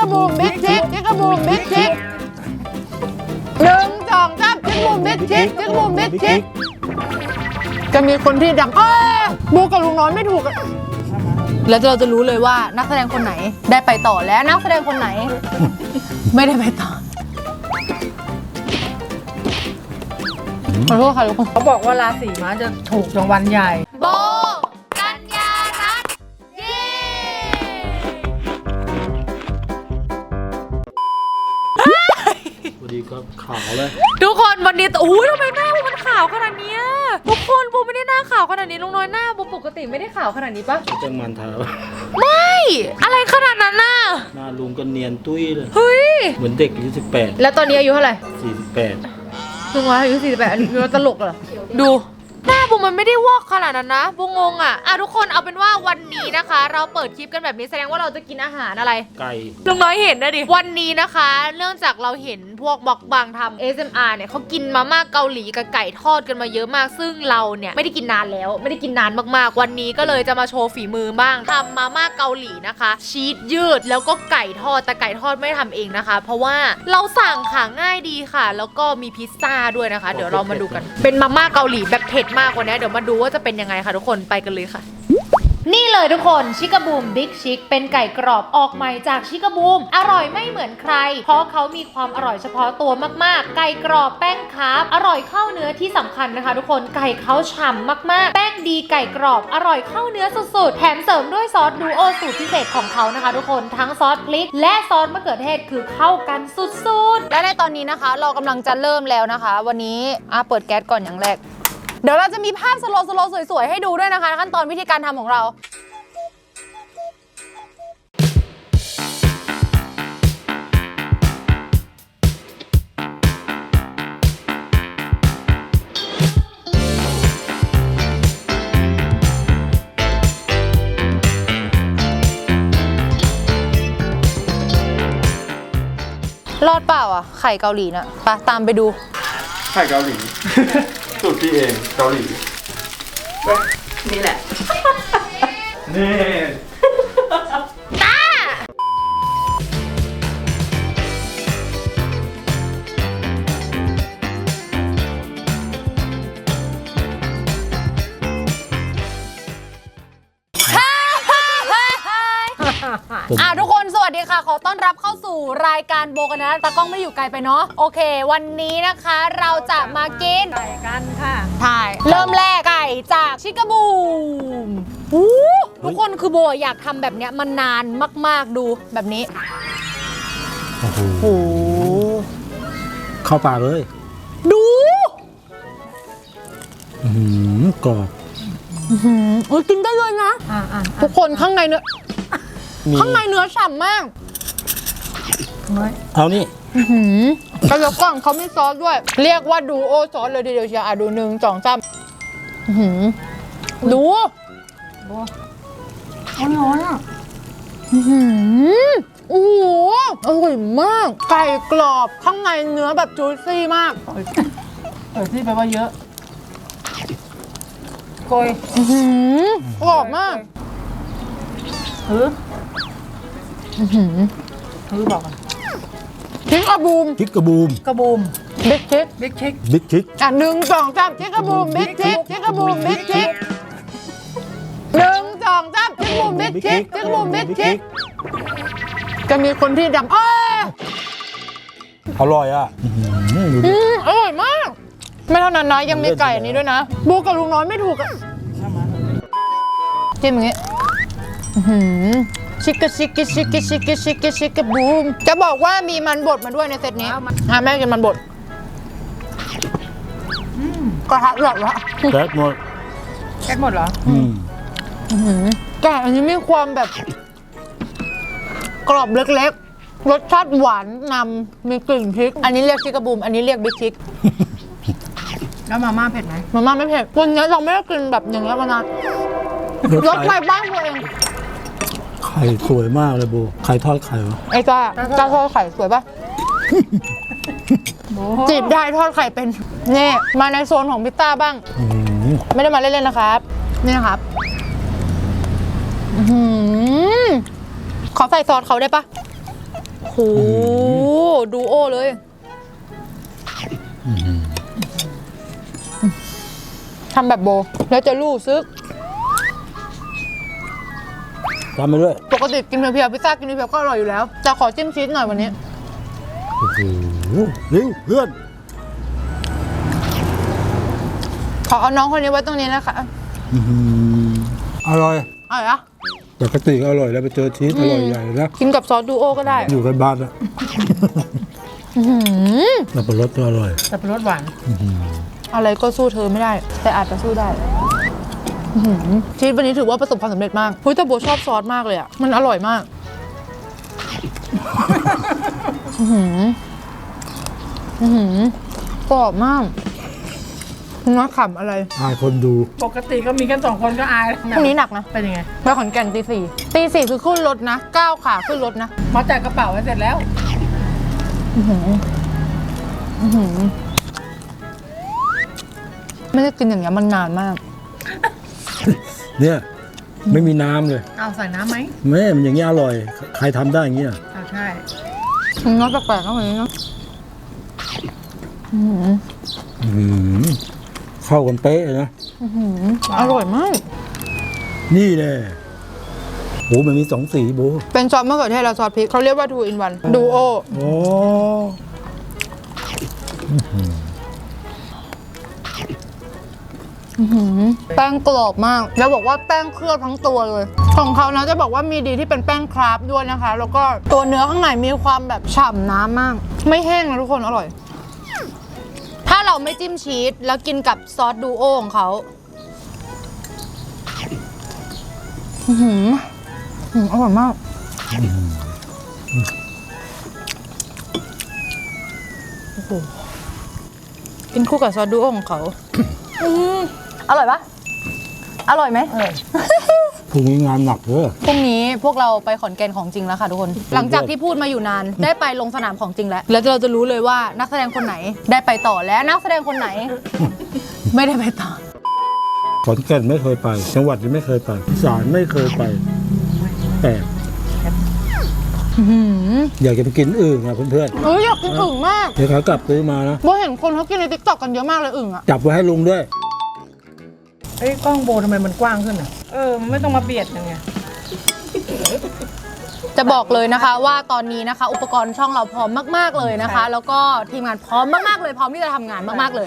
กบูมบิ๊กชิกชิกบูมบิ๊กชิก1 2 3ชิกบูมบิ๊กชิกชิกบูมบิ๊กชิกจะมีคนที่ดังบูกับลุงน้อยไม่ถูกแล้วเราจะรู้เลยว่านักแสดงคนไหนได้ไปต่อและนักแสดงคนไหน ไม่ได้ไปต่อขอโทษค่ะทุกคนเขาบอกว่าราศีม้าจะถูกรางวัลใหญ่โบกัญญารัตน์เย้พอดีก็ขาวเลยทุกคนวันนี้ทำไมหน้ามันขาวขนาดนี้ทุกคนบูไม่ได้หน้าขาวขนาดนี้ลุงน้อยหน้าบูปกติไม่ได้ขาวขนาดนี้ปะจังมันเท้าไม่อะไรขนาดนั้นน่ะหน้าลุงก็เนียนตุ้ยเลยเฮ้ยเหมือนเด็กอายุ18 แล้วตอนนี้อายุเท่าไหร่ 48 ลุงน้อยอายุ48อันนี้คือตลกเหรอดูหน้าบูมันไม่ได้วอกขนาดนั้นนะบูงงทุกคนเอาเป็นว่าวันนี้นะคะ เราเปิดคลิปกันแบบนี้แสดงว่าเราจะกินอาหารอะไรไก่ลุงน้อยเห็นนะดิวันนี้นะคะเนื่องจากเราเห็นพวกบล็อกบางทำ ASMR เนี่ยเขากินมาม่าเกาหลีกับไก่ทอดกันมาเยอะมากซึ่งเราเนี่ยไม่ได้กินนานแล้วไม่ได้กินนานมากๆวันนี้ก็เลยจะมาโชว์ฝีมือบ้างทำมาม่าเกาหลีนะคะชีสยืดแล้วก็ไก่ทอดแต่ไก่ทอดไม่ได้ทำเองนะคะเพราะว่าเราสั่งค่ะง่ายดีค่ะแล้วก็มีพิซซ่าด้วยนะคะเดี๋ยวเรามาดูกันเป็นมาม่าเกาหลีแบบเผ็ดมากกว่านี้เดี๋ยวมาดูว่าจะเป็นยังไงค่ะทุกคนไปกันเลยค่ะนี่เลยทุกคนชิคาบูมบิ๊กชิคเป็นไก่กรอบออกใหม่จากชิคาบูมอร่อยไม่เหมือนใครเพราะเขามีความอร่อยเฉพาะตัวมากๆไก่กรอบแป้งคาร์บอร่อยเข้าเนื้อที่สำคัญนะคะทุกคนไก่เขาฉ่ำมากๆแป้งดีไก่กรอบอร่อยเข้าเนื้อสุดๆแถมเสริมด้วยซอสดูโอสูตรพิเศษของเขานะคะทุกคนทั้งซอสพริกและซอสมะเขือเทศคือเข้ากันสุดๆและในตอนนี้นะคะเรากำลังจะเริ่มแล้วนะคะวันนี้เปิดแก๊สก่อนอย่างแรกเดี๋ยวเราจะมีภาพสโลว์สวยๆให้ดูด้วยนะคะขั้นตอนวิธีการทำของเรารอดเปล่าไข่เกาหลีนะไปตามไปดูไข่เกาหลี สูตรพี่เองเกาหลีนี่แหละนี่ตาทุกคนสวัสดีค่ะขอต้อนรับเข้าสู่รายการโบกันนะตากล้องไม่อยู่ไกลไปเนาะโอเควันนี้นะคะเราจะมากินไก่กันค่ะใช่เริ่มแรกไก่จากชิคาบูมทุกคนคือโบอยากทำแบบเนี้ยมันนานมากๆดูแบบนี้โอ้โหเข้าปากเลยดูกรอบกินได้เลยนะทุกคนข้างในเนื้อฉ่ำมากเอานี่กระยองเขาไม่ซอสด้วยเรียกว่าดูโอซอสเลยทีเดียวเชียวดู1 2 3ดูร้อนโอ้โหอร่อยมากไก่กรอบข้างในเนื้อแบบจูซี่มากที่แปลว่าเยอะโกยกรอบมากบอกกันชิคาบูมชิคาบูมบิ๊กชิค 1 2 3ชิคาบูมบิ๊กชิคชิคาบูมบิ๊กชิค1 2 3ชิคาบูมบิ๊กชิคชิคาบูมบิ๊กชิคจะมีคนที่ดังอร่อยอร่อยมากไม่เท่านั้นนะยังมีไก่อันนี้ด้วยนะบูกับลุงน้อยไม่ถูกจิ้มอย่างงี้ชิคกะบูมจะบอกว่ามีมันบดมาด้วยในเซตนี้แม่กินมันบดกระทะหลอดละแก๊สหมดเหรอไก่อันนี้มีความแบบกรอบเล็กๆรสชาติหวานนำมีกลิ่นพริกอันนี้เรียกชิคกะบูมอันนี้เรียกบิ๊กชิคแล้วมาม่าเผ็ดไหมมาม่าไม่เผ็ดวันนี้เราไม่ได้กินแบบอย่างนี้มานานรสใหม่บ้างตัวเองไข่สวยมากเลยโบไข่ทอดไข่วะไอ้จ้าทอดไข่สวยปะจีบได้ทอดไข่เป็นนี่มาในโซนของพิต้าบ้างไม่ได้มาเล่นๆนะครับนี่นะครับขอใส่ซอสเขาได้ปะโหดูโอเลยทำแบบโบแล้วจะรู้ซึกตามไปด้วยปกติกินเพียวๆพิซซ่ากินเพียวๆก็อร่อยอยู่แล้วจะขอจิ้มชีสหน่อยวันนี้โอ้โหเร็วเพื่อนขอเอาน้องคนนี้ไว้ตรงนี้นะคะอร่อยอร่อยอะปกติก็อร่อยแล้วไปเจอชีสอร่อยใหญ่นะกินกับซอสดูโอก็ได้อยู่กันบ้านแล้วสับปะรดก็อร่อยสับปะรดหวานอะไรก็สู้เธอไม่ได้ แต่อาจจะสู้ได้ชีสวันนี้ถือว่าประสบความสำเร็จมากเฮ้ยแต่โบชอบซอสมากเลยอะมันอร่อยมากกรอบมากน้าขำอะไรอายคนดูปกติก็มีกัน2 คนก็อายพรุ่งนี้หนักนะเป็นยังไงไปขอนแก่นตี 4คือขึ้นรถนะ9ขาขึ้นรถนะมาจัดกระเป๋าไว้เสร็จแล้วไม่ได้กินอย่างเงี้ยมันนานมากเนี่ยไม่มีน้ำเลยเอาใส่น้ำไหมแม่มันอย่างเงี้ยอร่อย ใครทำได้อย่างเงี้ยเอาใช่น้อยแปลกๆก็เหมือนนี้เนาะเข้ากันเป๊ะเลยนะอร่อยมากนี่แหละโหมันมี2 สีโบเป็นซอสมะเขือเทศและซอสพริกเขาเรียกว่า 2 in 1 Duo โอ้แป้งกรอบมาก แล้วบอกว่าแป้งเคลือบทั้งตัวเลย ของเขานะจะบอกว่ามีดีที่เป็นแป้งคราฟต์ด้วยนะคะ แล้วก็ตัวเนื้อข้างในมีความแบบฉ่ำน้ำมาก ไม่แห้งนะทุกคนอร่อย ถ้าเราไม่จิ้มชีสแล้วกินกับซอสดูโอของเขาอร่อยมากโอ้โหกินคู่กับซอสดูโอของเขาอร่อยปะอร่อยไหมพรุ่งนี้งานหนักเด้อพรุ่งนี้พวกเราไปขอนแก่นของจริงแล้วค่ะทุกคน หลังจากที่พูดมาอยู่นาน ได้ไปลงสนามของจริงแล้ว แล้วเราจะรู้เลยว่านักแสดงคนไหนได้ไปต่อและนักแสดงคนไหน ไม่ได้ไปต่อขอนแก่นไม่เคยไป จังหวัดที่ไม่เคยไปอีสานไม่เคยไปแปลกอยากจะไปกินอึ่งอะเพื่อนอยากกินอึ่งมากๆเดี๋ยวขากลับซื้อมานะโบเห็นคนเขากินในติ๊กต็อกกันเยอะมากเลยอึ่งอะจับไว้ให้ลุงด้วยเอ้ยกล้องโบทำไมมันกว้างขึ้นอ่ะ มันไม่ต้องมาเบียดยังไงจะบอกเลยนะคะว่าตอนนี้นะคะ อุปกรณ์ช่องเราพร้อมมากๆเลยนะคะ แล้วก็ทีมงานพร้อมมากๆเลยพร้อมที่จะทำงานมากๆเลย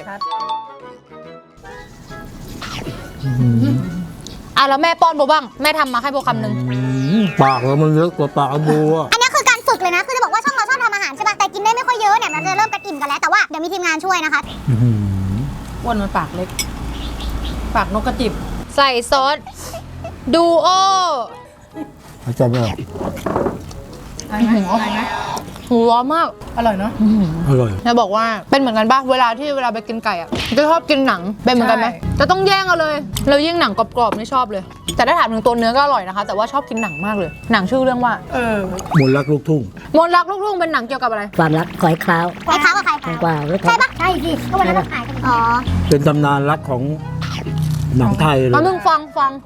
แล้วแม่ป้อนโบบ้างแม่ทำมาให้โบคำหนึ่งปากเรามันเยอะกว่าปากบัวอันนี้คือการฝึกเลยนะ คือจะบอกว่าช่องเราชอบทำอาหารใช่ป่ะ แต่กินได้ไม่ค่อยเยอะเนี่ย มันจะเริ่มกระอิ่มกันแล้ว แต่ว่าเดี๋ยวมีทีมงานช่วยนะคะอ้วนมันปากเล็ก ปากนกกระจิบใส่ซอสดูโอเขาจำไม่ออกอะไรไหมอะไรไหมหัวมากอร่อยเนาะอร่อยจะบอกว่าเป็นเหมือนกันปะเวลาไปกินไก่อะจะชอบกินหนังเป็นเหมือนกันไหมใช่จะต้องแย่งกันเลยแล้วยิ่งหนังกรอบๆนี่ชอบเลย แต่ถ้าถามถึงตัวเนื้อก็อร่อยนะคะ แต่ว่าชอบกินหนังมากเลย หนังชื่อเรื่องว่ามนต์รักลูกทุ่งมนต์รักลูกทุ่งเป็นหนังเกี่ยวกับอะไรความรักขอให้คล้าวไอ้เขากับใครแตงกวาหรือใช่ปะใช่สิ ก็วันนั้นเราถ่ายกัน อ๋อเป็นตำนานรักของหนังไทยเลยแล้วมึงฟัง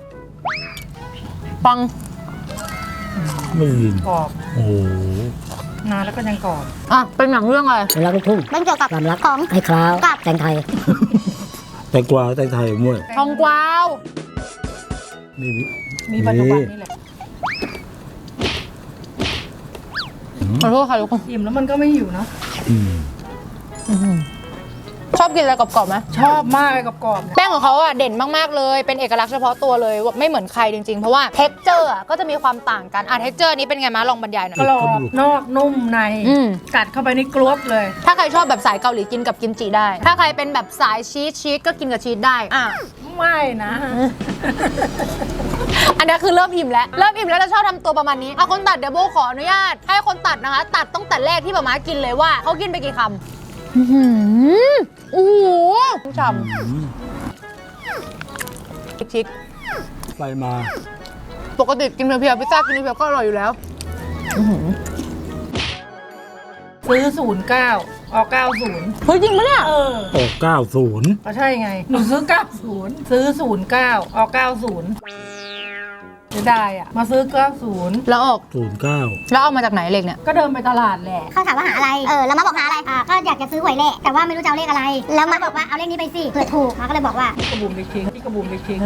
ไม่ได้ยินกรอบโอ้โหนานแล้วก็ยังกรอบอ่ะเป็นหนังเรื่องอะไรความรักลูกทุ่งมันเกี่ยวกับความรักของให้คล้าวกับแตงไทยแตงกวาแตงไทยมั่วทองกวาวนี่มีปัจจุบันนี่แหละขอโทษค่ะทุกคนอิ่มแล้วมันก็ไม่หิวเนาะชอบกินอะไรกรอบๆไหมชอบมากเลยกรอบๆเนี่ยแป้งของเขาอ่ะเด่นมากๆเลยเป็นเอกลักษณ์เฉพาะตัวเลยไม่เหมือนใครจริงๆเพราะว่าเท็กเจอร์อ่ะก็จะมีความต่างกันเท็กเจอร์นี้เป็นไงมาลองบรรยายหน่อยกรอบนอกนุ่มใน กัดเข้าไปนี่กรวบเลยถ้าใครชอบแบบสายเกาหลีกินกับกิมจิได้ ถ้าใครเป็นแบบสายชีสก็กินกับชีสได้ไม่นะอันนี้คือเริ่มอิ่มแล้วจะชอบทำตัวประมาณนี้คนตัดเดี๋ยวโบขออนุญาตให้คนตัดนะคะ ตัดตั้งแต่แรกที่ป๊าม้ากินเลยว่าเขากินไปกี่คำโอ้โหฉ่ำชิคไปมาปกติกินเพียวๆพิซซ่ากินเพียวๆก็อร่อยอยู่แล้วซื้อ09ออก90 เฮ้ยจริงปะเนี่ยออก90 ก็ใช่ไง หนูซื้อ90ซื้อ09ออก90 เสียดายอ่ะมาซื้อ90 แล้วออก 09 แล้วเอามาจากไหนเลขเนี่ยก็เดินไปตลาดแหละเขาถามว่าหาอะไร แล้วมาบอกหาอะไร ก็อยากจะซื้อหวยเลขแต่ว่าไม่รู้จะเอาเลขอะไร แล้วมาบอกว่าเอาเลขนี้ไปสิเผื่อถูกมาก็เลยบอกว่าที่กระบุมไปทิ้งที่กระบุมไปทิ้ง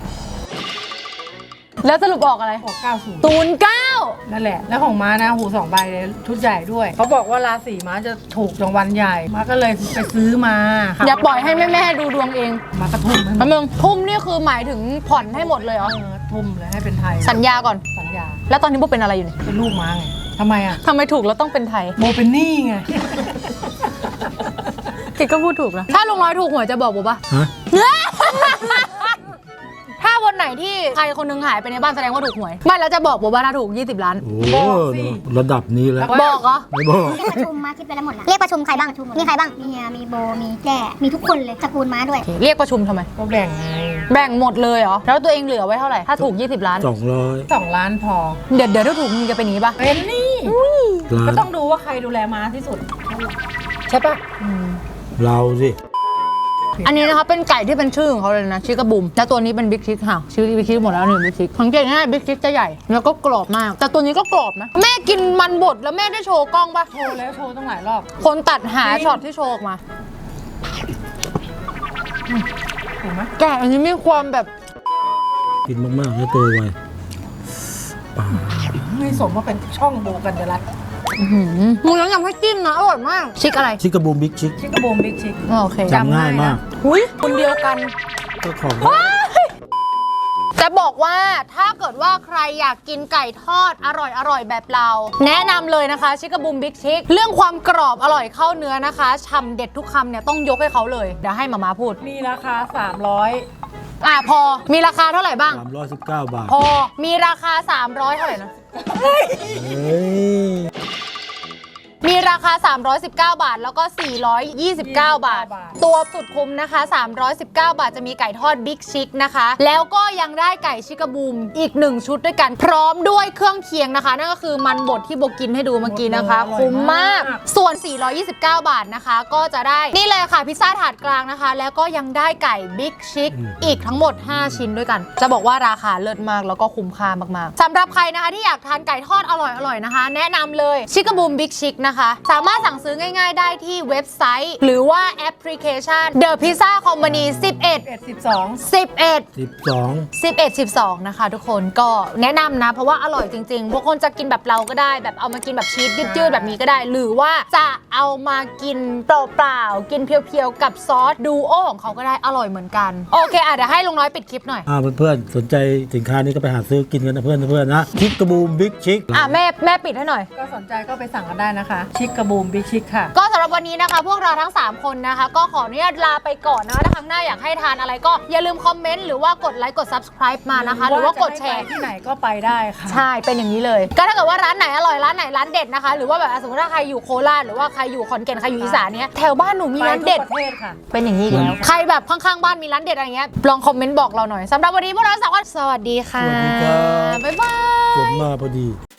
แล้วสรุปออกอะไรออก90 09 นั่นแหละแล้วของม้านะหู2 ใบเลยชุดใหญ่ด้วยเขาบอกว่าราศีม้าจะถูกรางวัลใหญ่ม้าก็เลยไปซื้อมาค่ะอย่าปล่อยให้แม่ๆดูดวงเองม้าก็ทุ่มให้หมแป๊บดนึงทุ่มนี่คือหมายถึงผ่อนให้หมดเลยเหรอทุ่มเลยให้เป็นไทยสัญญาก่อนสัญญาแล้วตอนนี้โบเป็นอะไรอยู่เนี่ยเป็นลูกม้าไงทำไมอ่ะทำไมถูกแล้วต้องเป็นไทยโบเป็นหนี้ไงกิดก็พูดถูกนะ ถ้าลุงน้อยถูกหวยจะบอกโบปะฮะถ้าวันไหนที่ใครคนนึงหายไปในบ้านแสดงว่าถูกหวย ไม่แล้วจะบอกโบว่าถ้าถูก 20 ล้านโอ้ระดับนี้แล้วบอกเหรอไม่บอกเรียกประชุมมาคิดไปแล้วหมดแล้วเรียกประชุมใครบ้างมีใครบ้างมีเฮียมีโบมีแด่มีทุกคนเลยตระกูลม้าด้วยเรียกประชุมทำไมก็แบ่งไงแบ่งหมดเลยเหรอ แล้วตัวเองเหลือไว้เท่าไหร่ ถ้าถูก 20 ล้าน 200 2 ล้านพอเดี๋ยวถ้าถูกมึงจะเป็นอย่างนี้ปะเป็นหนี้ล้าก็นต้องดูว่าใครดูแลม้าที่สุด ใช่ปะเราสิอันนี้นะคะเป็นไก่ที่เป็นชื่อของเขาเลยนะชิคกบูมแล้วตัวนี้เป็นบิ๊กชิคค่ะชื่อบิ๊กชิคหมดแล้วนี่บิ๊กชิคสังเกตง่ายบิ๊กชิคจะใหญ่แล้วก็กรอบมาก แต่ตัวนี้ก็กรอบนะแม่กินมันบดแล้วแม่ได้โชว์กล้องปะโชว์แล้วโชว์ตั้งหลายรอบคนตัดหาช็อตที่โชว์ออกมาถูกไหมไก่อันนี้มีความแบบกินมากๆแล้วตัวไวป่าไม่สมว่าเป็นช่องโบกันเดลัดมึงยังให้จิ้มนะอร่อยมากชิคอะไรชิคกบูมบิ๊กชิคชิคกระโบมบิ๊กชิคโอเคจำง่ายมากหุยคนเดียวกันก็ของจะบอกว่าถ้าเกิดว่าใครอยากกินไก่ทอดอร่อยแบบเรา แนะนำเลยนะคะชิคกบูมบิ๊กชิคเรื่องความกรอบอร่อยเข้าเนื้อนะคะฉ่ำเด็ดทุกคำเนี่ยต้องยกให้เขาเลยเดี๋ยวให้มาพูดมีราคา 300 พอมีราคาเท่าไหร่บ้าง 319 บาทพอมีราคา 300เท่าไหร่นะเฮ้ยมีราคา 319 บาท แล้วก็ 429 บาท ตัวสุดคุ้มนะคะ 319 บาทจะมีไก่ทอดบิ๊กชิคนะคะ แล้วก็ยังได้ไก่ชิคกบูมอีก 1 ชุดด้วยกัน พร้อมด้วยเครื่องเคียงนะคะ นั่นก็คือมันบดที่โบกินให้ดูเมื่อกี้นะคะ คุ้มมาก ส่วน 429 บาทนะคะ ก็จะได้นี่เลยค่ะพิซซ่าถาดกลางนะคะ แล้วก็ยังได้ไก่บิ๊กชิคอีกทั้งหมด 5 ชิ้นด้วยกัน จะบอกว่าราคาเลิศมากแล้วก็คุ้มค่ามากๆสำหรับใครนะคะที่อยากทานไก่ทอดอร่อยๆนะคะ แนะนำเลยชิคกบูมบิ๊กชิคนะคะสามารถสั่งซื้อง่ายๆได้ที่เว็บไซต์ หรือว่าแอปพลิเคชัน The Pizza Company 12 นะคะทุกคนก็แนะนำนะเพราะว่าอร่อยจริงๆพวกคนจะกินแบบเราก็ได้แบบเอามากินแบบชีสยืดๆแบบนี้ก็ได้ หรือว่าจะเอามากินเปล่าๆกินเพียวๆกับซอสดูโอของเขาก็ได้อร่อยเหมือนกันโอเคเดี๋ยวให้ลุงน้อยปิดคลิปหน่อยเพื่อนๆสนใจสินค้านี้ก็ไปหาซื้อกินกันนะเพื่อนๆนะชิคกบูมบิ๊กชิคแม่ปิดให้หน่อยก็สนใจก็ไปสั่งกันได้นะคะ ชิคกระบูมบิ๊กชิคค่ะก็สำหรับวันนี้นะคะ พวกเราทั้ง 3 คนนะคะ ก็ขออนุญาตลาไปก่อนนะคะถ้าครั้งหน้าอยากให้ทานอะไรก็อย่าลืมคอมเมนต์หรือว่ากดไลค์กด subscribe มานะคะ หรือว่ากดแชร์ที่ไหนก็ไปได้ค่ะใช่เป็นอย่างนี้เลย ก็ถ้าเกิดว่าร้านไหนอร่อยร้านไหนร้านเด็ดนะคะ หรือว่าแบบสมมติถ้าใครอยู่โคราชหรือว่าใครอยู่ขอนแก่นใครอยู่อีสานเนี้ยแถวบ้านหนูมีร้านเด็ดไปทุกประเทศค่ะเป็นอย่างนี้อีกแล้วใครแบบข้างๆบ้านมีร้านเด็ดอะไรเงี้ยลองคอมเมนต์บอกเราหน่อยสำหรับวันนี้พวกเราสามคนสวัสดีค่ะสวัสดีครับบ๊ายบายผมมาพอดี